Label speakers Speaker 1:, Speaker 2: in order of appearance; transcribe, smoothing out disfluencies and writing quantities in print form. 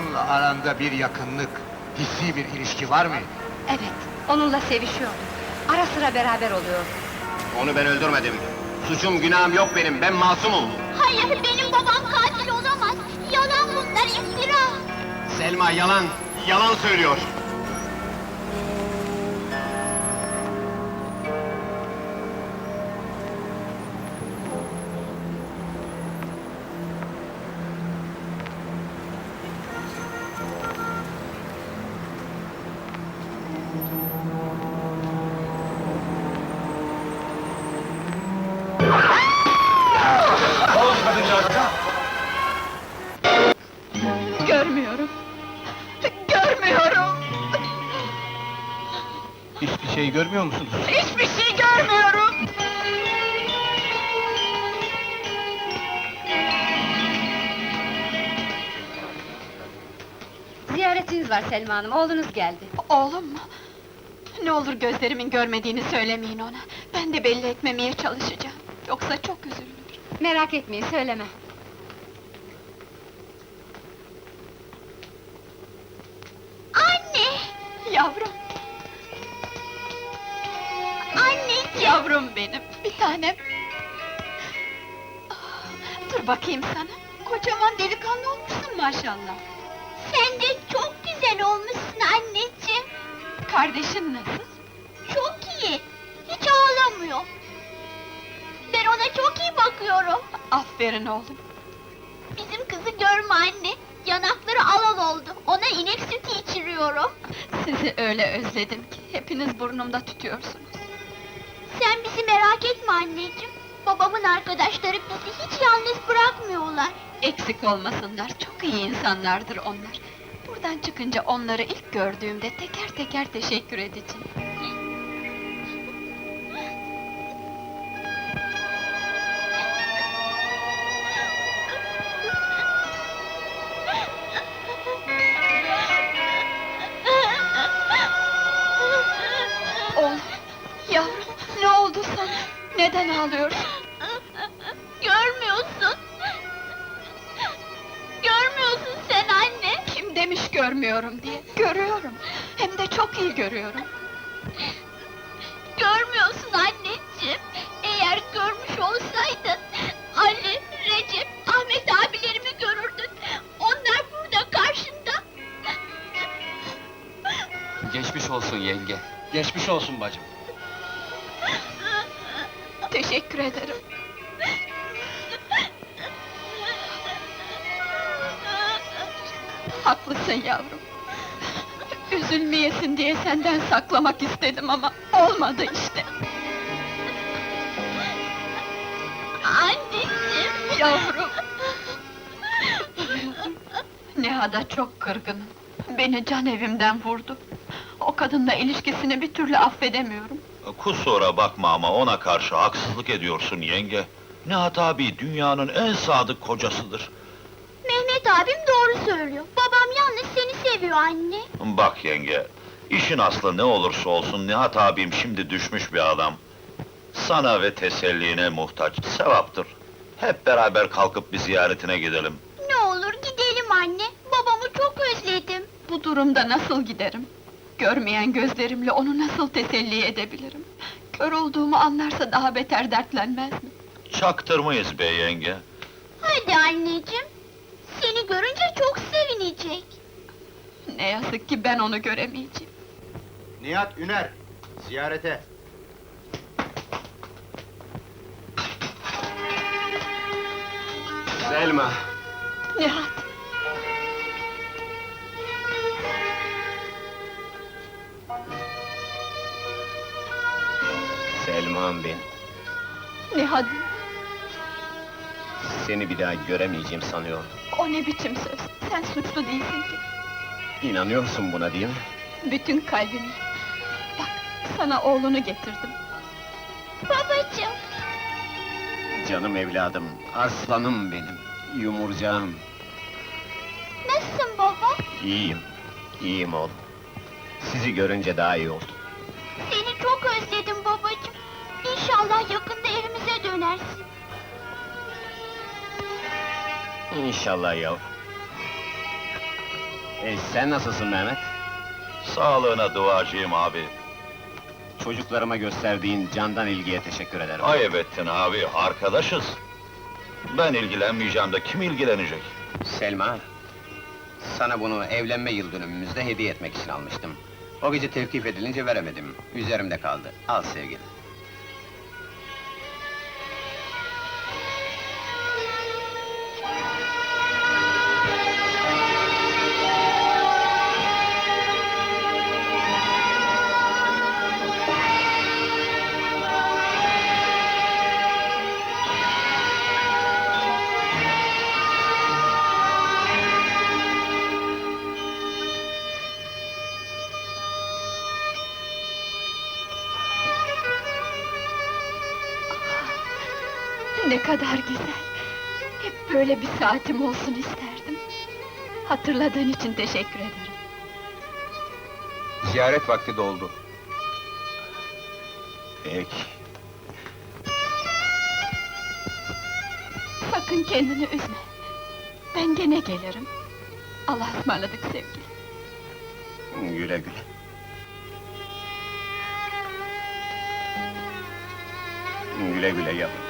Speaker 1: Onunla aranda bir yakınlık, hissi bir ilişki var mı?
Speaker 2: Evet, onunla sevişiyordum. Ara sıra beraber oluyordu.
Speaker 3: Onu ben öldürmedim. Suçum günahım yok benim, ben masumum.
Speaker 4: Hayır, benim babam katil olamaz. Yalan bunlar, iftira.
Speaker 3: Selma yalan, yalan söylüyor.
Speaker 2: Görmüyorum! Görmüyorum!
Speaker 1: Hiçbir şey görmüyor musunuz?
Speaker 2: Hiçbir şey görmüyorum! Ziyaretiniz var Selma Hanım, oğlunuz geldi.
Speaker 5: Oğlum mu? Ne olur gözlerimin görmediğini söylemeyin ona. Ben de belli etmemeye çalışacağım. Yoksa çok üzülür.
Speaker 2: Merak etmeyin, söyleme.
Speaker 4: Anne!
Speaker 5: Yavrum,
Speaker 4: Anneciğim!
Speaker 5: yavrum benim, bir tanem. Ah, dur bakayım sana. Kocaman delikanlı olmuşsun maşallah.
Speaker 4: Sen de çok güzel olmuşsun anneciğim.
Speaker 5: Kardeşin nasıl?
Speaker 4: Çok iyi. Hiç ağlamıyor. Ben ona çok iyi bakıyorum.
Speaker 5: Aferin oğlum.
Speaker 4: Bizim kızı görme anne. Yanakları alal oldu. Ona inek sütü içiriyorum.
Speaker 5: Sizi öyle özledim ki, hepiniz burnumda tutuyorsunuz.
Speaker 4: Sen bizi merak etme anneciğim. Babamın arkadaşları bizi hiç yalnız bırakmıyorlar.
Speaker 5: Eksik olmasınlar, çok iyi insanlardır onlar. Buradan çıkınca onları ilk gördüğümde teker teker teşekkür edeceğim. Oğlum, yavrum, ne oldu sana? Neden ağlıyorsun?
Speaker 4: Görmüyorsun. Görmüyorsun sen anne.
Speaker 5: Kim demiş görmüyorum diye? Görüyorum, hem de çok iyi görüyorum.
Speaker 4: Görmüyorsun anneciğim. Eğer görmüş olsaydın... Ali, Recep, Ahmet abilerimi görürdün. Onlar burada karşında.
Speaker 3: Geçmiş olsun yenge.
Speaker 1: Geçmiş olsun bacım.
Speaker 5: Teşekkür ederim. Haklısın yavrum. Üzülmeyesin diye senden saklamak istedim ama olmadı işte.
Speaker 4: Anneciğim.
Speaker 5: Yavrum! Nihat'a çok kırgınım. Beni can evimden vurdu. O kadınla ilişkisini bir türlü affedemiyorum.
Speaker 6: Kusura bakma ama ona karşı haksızlık ediyorsun yenge. Nihat abi dünyanın en sadık kocasıdır.
Speaker 4: Mehmet abim doğru söylüyor. Babam yalnız seni seviyor anne.
Speaker 6: Bak yenge, işin aslı ne olursa olsun Nihat abim şimdi düşmüş bir adam. Sana ve teselline muhtaç, sevaptır. Hep beraber kalkıp bir ziyaretine gidelim.
Speaker 4: Ne olur gidelim anne. Babamı çok özledim.
Speaker 5: Bu durumda nasıl giderim? Görmeyen gözlerimle onu nasıl teselli edebilirim? Kör olduğumu anlarsa daha beter dertlenmez mi?
Speaker 6: Çaktırmayız be yenge.
Speaker 4: Hadi anneciğim. Seni görünce çok sevinecek.
Speaker 5: Ne yazık ki ben onu göremeyeceğim.
Speaker 1: Nihat Üner, ziyarete.
Speaker 3: Selma,
Speaker 5: Nihat!
Speaker 3: Selma'm ben.
Speaker 5: Nihat!
Speaker 3: Seni bir daha göremeyeceğim sanıyorum.
Speaker 5: O ne biçim söz? Sen suçlu değilsin ki.
Speaker 3: İnanıyorsun buna değil mi?
Speaker 5: Bütün kalbimle. Bak, sana oğlunu getirdim.
Speaker 4: Babacığım.
Speaker 3: Canım evladım, aslanım benim, yumurcağım.
Speaker 4: Nasılsın baba?
Speaker 3: İyiyim, iyiyim oğlum. Sizi görünce daha iyi oldum.
Speaker 4: Seni çok özledim babacığım. İnşallah yakında evimize dönersin.
Speaker 3: İnşallah yavrum. Sen nasılsın Mehmet?
Speaker 6: Sağlığına duacıyım abi.
Speaker 3: Çocuklarıma gösterdiğin candan ilgiye teşekkür ederim.
Speaker 6: Ayıp ettin abi, arkadaşız. Ben ilgilenmeyeceğim de kim ilgilenecek?
Speaker 3: Selma, sana bunu evlenme yıl dönümümüzde hediye etmek için almıştım. O gece tevkif edilince veremedim. Üzerimde kaldı. Al sevgilim.
Speaker 5: Ne kadar güzel! Hep böyle bir saatim olsun isterdim. Hatırladığın için teşekkür ederim.
Speaker 3: Ziyaret vakti doldu. Peki.
Speaker 5: Sakın kendini üzme. Ben gene gelirim. Allah'a ısmarladık sevgilim.
Speaker 3: Güle güle. Güle güle yavrum.